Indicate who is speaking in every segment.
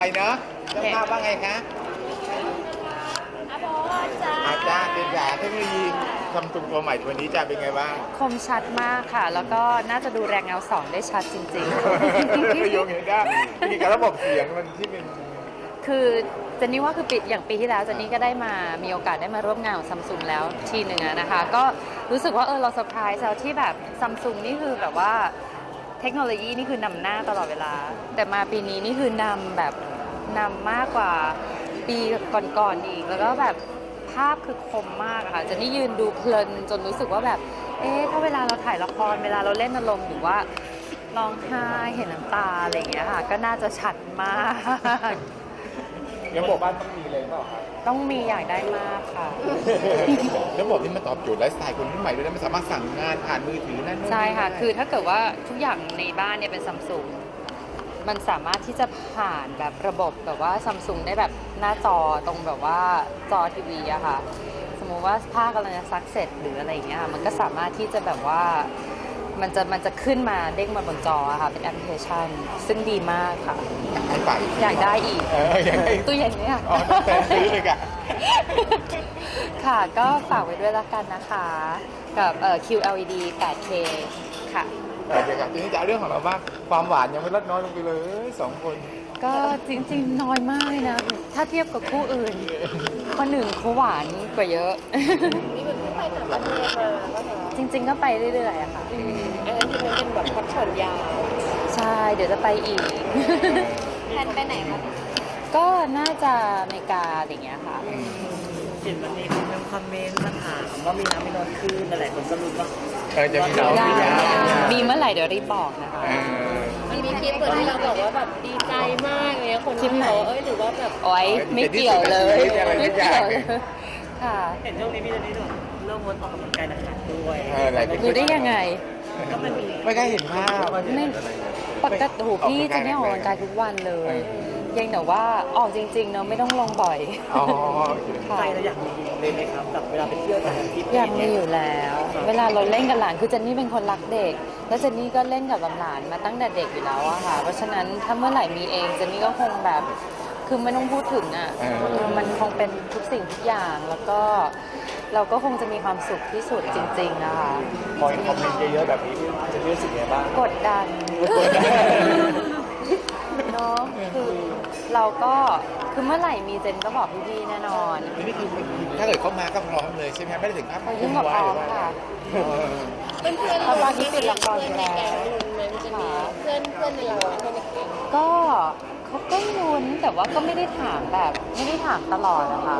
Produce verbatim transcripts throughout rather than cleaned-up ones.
Speaker 1: ไปเนาะเจ้าภาพว่าไงคะ
Speaker 2: อาโบจ้า
Speaker 1: อาจารย์เป็นอย่างเทคโนโลยีทำตัวใหม่ตัวนี้จะเป็นไงบ้าง
Speaker 2: คมชัดมากค่ะ แล้วก็น่าจะดูแรงเงาสองได้ชัดจริง
Speaker 1: โยงเห็นได้มีการระบบเสียงมันที่เป็น
Speaker 2: ๆ คือเจนนี่ว่าคือปีอย่างปีที่แล้วเจนนี่ก็ได้มามีโอกาสได้มาร่วมงานกับซัมซุงแล้วทีหนึ่งนะคะ ก็รู้สึกว่าเออเราเซอร์ไพรส์แล้วที่แบบซัมซุงนี่คือแบบว่าเทคโนโลยีนี่คือนำหน้าตลอดเวลา แต่มาปีนี้นี่คือนำแบบนำมากกว่าปีก่อนๆอีกแล้วก็แบบภาพคือคมมากค่ะเจนนี่ยืนดูเพลินจนรู้สึกว่าแบบเอ๊ะถ้าเวลาเราถ่ายละครเวลาเราเล่นอารมณ์หรือว่าร้องไห้เห็นน้ำตาอะไรอย่างเงี้ยค่ะก็น่าจะชัดมาก
Speaker 1: ระบบบ้านต้องมีเลยเปล่าครับ
Speaker 2: ต้องมีอยากได้มากค่ะ
Speaker 1: ระบบนี้มันตอบโจทย์ไลฟ์สไตล์คนรุ่นใหม่ด้วยนะมันสามารถสั่งงานผ่านมือถือนั่นนู่น
Speaker 2: ใช่ค่ะคือถ้าเกิดว่าทุกอย่างในบ้านเนี่ยเป็นซัมซุงมันสามารถที่จะผ่านแบบระบบแบบว่าซัมซุงได้แบบหน้าจอตรงแบบว่าจอทีวีอะค่ะสมมุติว่าภาพกำลังจะซักเสร็จหรืออะไรอย่างเงี้ยค่ะมันก็สามารถที่จะแบบว่ามันจะมันจะขึ้นมาเด้งมาบนจอค่ะเป็นแอปพลิเคชันซึ่งดีมากค่ะ
Speaker 1: ให้ไป
Speaker 2: อยากได้อีกตู้เย็นเนี่ย
Speaker 1: อ๋อต้องแต่ซื้อเลยค่ะ
Speaker 2: ค่ะก็ฝากไว้ด้วยละกันนะคะกับเอ่อ คิว แอล อี ดี แปดเค ค่ะ
Speaker 1: เดี๋ยวกับทีนี้จะเรื่องของเราบ้างความหวานยังไม่ลดน้อยลงไปเลยสองคน
Speaker 2: ก็จริงๆน้อยมากเลยนะถ้าเทียบกับคู่อื่นคนหนึ่งเขาหวานกว่าเยอะ
Speaker 3: นี่เป็นไปต่างประเทศมา
Speaker 2: จริงๆก็ไปเรื่อยๆอะค่ะ
Speaker 3: อันนั้นที่มันเป็นแบบพักผ่อนยาว
Speaker 2: ใช่เดี๋ยวจะไปอีก
Speaker 3: แพนไปไหนคะ
Speaker 2: ก็น่าจะอเมริกาอะไรอย่างเงี้ยค่ะ
Speaker 4: เห็นวันนี้คุณยังคอมเมนต์มาถามว่ามีน้ำมีนอนคืนอะไรคนก็รู้ว่า
Speaker 1: เออจะมีน้องมียา
Speaker 2: มีเมื่อไหร่เดี๋ยวรีบบอกนะคะ
Speaker 3: มันมีคลิปเหมือนที่เราบอกว่าแบบดีใจมากเลยคนที่บอกเอ้ยหรือว่าแบบ
Speaker 2: โอ๊ยไม่เกี่ยวเลยไม่เกี่ยวเลยค่ะ
Speaker 4: เห็นช่วงนี้พี่จะนี่ด้วยเริ่มงดออกกำลังกายหนักๆด้วย
Speaker 2: รู้ได้ยังไง
Speaker 4: ก็มันมี
Speaker 1: ไม่ได้เห็นภาพ
Speaker 2: ไม่ปกติโหพี่จะไม่ออกกำลังกายทุกวันเลยยังแต่ว่าออกจริงๆเนอะไม่ต้องลงบ่อย
Speaker 1: อ๋อ
Speaker 4: ใจเราอยากมีเลยไหมครับแบบเวลาไปเที่ยวต่างประเทศ
Speaker 2: อยากมีอยู่แล้ว เวลาเราเล่นกับหลานคือเจนนี่เป็นคนรักเด็กแล้วเจนนี่ก็เล่นกับหลานมาตั้งแต่เด็กอยู่แล้วอะค่ะเพราะฉะนั้นถ้าเมื่อไหร่มีเองเจนนี่ก็คงแบบคือไม่ต้องพูดถึงอะมันคงเป็นทุกสิ่งทุกอย่างแล้วก็เราก็คงจะมีความสุขที่สุดจริงๆนะคะ
Speaker 1: พอคอมเมนต์เยอะๆแบบนี้จะรู้สึกไงบ้าง
Speaker 2: กดดันเนาะคือเราก็คือเมื่อไหร่มีเจนก็บอกพี่ๆแน่นอน
Speaker 1: นี่คือถ้าเกิดเขามาก็พร้อมเลยใช่ไหมไม่ได้ถึงขั้น
Speaker 2: ยิ่งกับพร้อมค่ะ
Speaker 3: เพื่อนเพื่อน
Speaker 2: เราตอนนี้ติดละคร
Speaker 3: ในแก๊งลุ้นไหมมันจะมีเพื่อนเพื่อนในเราเพื่อนในแก๊ง
Speaker 2: ก็เขาก็ลุ้นแต่ว่าก็ไม่ได้ถามแบบไม่ได้ถามตลอดนะคะ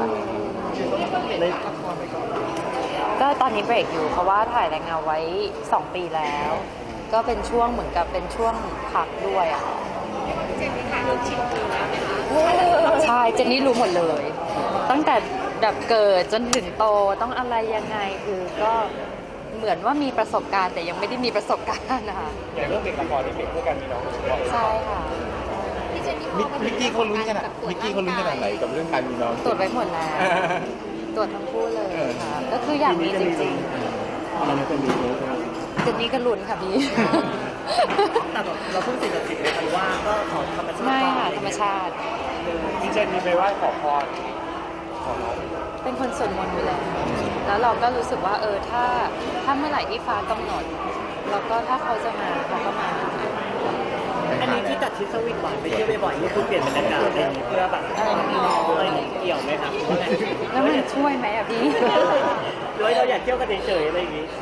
Speaker 2: ก็ตอนนี้เบรกอยู่เพราะว่าถ่ายแรงเงาไว้สองปีแล้ว ก็เป็นช่วงเหมือนกับเป็นช่วงพักด้วยอ่ะ
Speaker 3: เจนนี่ค่ะเราชิมดูแล้วไหมคะ
Speaker 2: ใช่เจนนี่รู้หมดเลย ตั้งแต่แบบเกิดจนถึงโตต้องอะไรยังไงคือก็เหมือนว่ามีประสบการณ์แต่ยังไม่ได้มีประสบการณ์นะคะ
Speaker 1: อย่างเรื่องเด็กละครนี่เด็กเพื่อการมีน้อง
Speaker 2: ใช่ค่ะ
Speaker 1: มิกกี้เขาลุ้นขนาดมิกกี้เขาลุ้นขนาดไหนกับเรื่องการมีน้อง
Speaker 2: ตรวจไว้หมดแล้วตรวจทั้งคู่เลยค่ะก็คืออยากมีจริงๆเจนนี่ก็ลุ้นค่ะพี่
Speaker 4: แต่เราเพิ่งติดติดเลยคันว่าก็ขอธรรมชาติ
Speaker 2: ไม่ค่ะธรรมชาติ
Speaker 1: พี่เจนมีไปไหว้ขอพรขอน้อง
Speaker 2: เป็นคนสวดมนต์อยู่แล้วแล้วเราก็รู้สึกว่าเออถ้าถ้าเมื่อไหร่ที่ฟ้ากำหนดแล้วก็ถ้าเขาจะมาเขาก็มา
Speaker 4: อันนี้ที่จัดทริปสวีทหวานไปเที่ยวบ่อยๆนี่คือเปลี่ยนบรรยากาศเพื่อแบบมีน้องอะไรเกี่ยวไหมครับ
Speaker 2: แล้วมันช่วยไหมอ่ะพี่
Speaker 4: หรือเราอยากเที่ยวกันเฉยๆอะไรอย่างนี้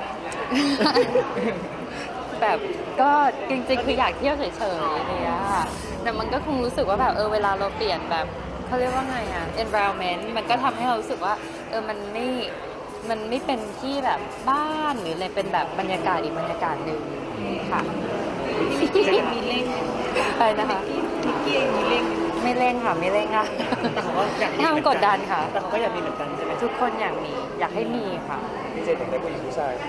Speaker 2: แบบก็จริงๆคืออยากเที่ยวเฉยๆเนี่ยค่ะแต่มันก็คงรู้สึกว่าแบบเออเวลาเราเปลี่ยนแบบเขาเรียกว่าไงอ่ะ environment มันก็ทำให้เรารู้สึกว่าเออมันไม่มันไม่เป็นที่แบบบ้านหรืออะไรเป็นแบบบรรยากาศอีกบรรยากาศหนึ่งค่ะ
Speaker 3: มิกกี้มีเล่ง
Speaker 2: อะไรนะคะ
Speaker 3: มิกกี้มีเล่ง
Speaker 2: ไม่เล่นค่ะไม่เล่นค่ะ
Speaker 4: แต่เขาก็อยากมี
Speaker 2: ห้ามกดดันค่ะ
Speaker 4: แต่เขาก็อยากมีเหมือนกันใช่ไหม
Speaker 2: ทุกคนอยากมีอยากให้มีค่ะ
Speaker 1: พี่เจนอยากได้ผู้หญิงผู้ชาย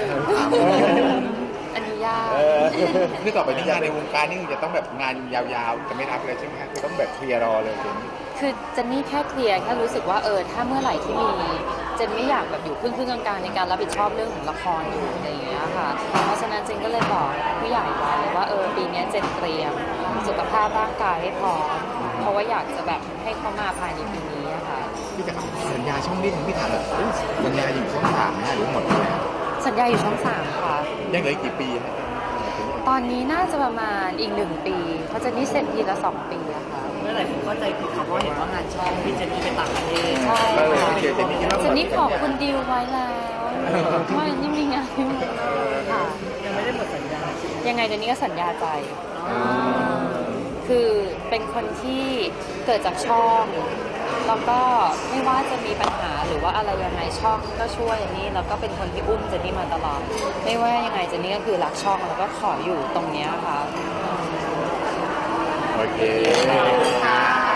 Speaker 2: อันนี้ยาก
Speaker 1: นี่ต่อไปนี้งานในวงการนี่จะต้องแบบงานยาวๆจะไม่รับเลยใช่ไหมครับคือต้องแบบเคลียร์รอเลยเจน
Speaker 2: คือเจนนี่แค่เคลียร์แค่รู้สึกว่าเออถ้าเมื่อไหร่ที่มีเจนไม่อยากแบบอยู่ครึ่งครึ่งกลางๆในการรับผิดชอบเรื่องของละครอยู่อะไรอย่างเงี้ยค่ะเพราะฉะนั้นเจนก็เลยบอกผู้ใหญ่ไว้เลยว่าเออปีนี้เจนเตรียมเจสุขภาพร่างกายให้พร้อมเพราะว่าอยากจะแบบให้เขามาภายในปีนี้อะค่ะ
Speaker 1: พี่จะสัญญาช่องนี้พี่ถามแบบเอ้ยสัญญาอยู่ช่องสามนะหรือหมดแล้ว
Speaker 2: สัญญาอยู่ช่องสามค่ะ
Speaker 1: ยังเหลืออีกกี่ปีฮะ
Speaker 2: ตอนนี้น่าจะประมาณอีกหนึ่งปีเพราะเจนนี่เซ็นทีละสองปีอะค่ะ
Speaker 4: เมื่อไหร่ผมเข้าใจผิดเขาเพราะเห็นว่างานช่องพี่เจนนี่ไปต่างประเทศ
Speaker 2: ใช่
Speaker 1: เออ
Speaker 2: ค่ะ
Speaker 1: โอเคเจนนี่คิดว่าห
Speaker 2: เจ
Speaker 1: ม
Speaker 2: น
Speaker 1: ด
Speaker 2: นี่ขอบคุณดิวไว้แล้วว่านี่มีงานที่เมืองนอกค่ะ
Speaker 4: ยังไม่ได้หมดสัญญา
Speaker 2: ยังไงเจนนี่ก็สัญญาใจ คือเป็นคนที่เกิดจากช่อง แล้วก็ไม่ว่าจะมีปัญหาหรือว่าอะไรยังไงช่องก็ช่วยเจนนี่แล้วก็เป็นคนที่อุ้มเจนนี่มาตลอด ไม่ว่ายังไงเจนนี่ก็คือรักช่องแล้วก็ขออยู่ตรงเนี้ยค่ะ
Speaker 1: โอเคค่ะ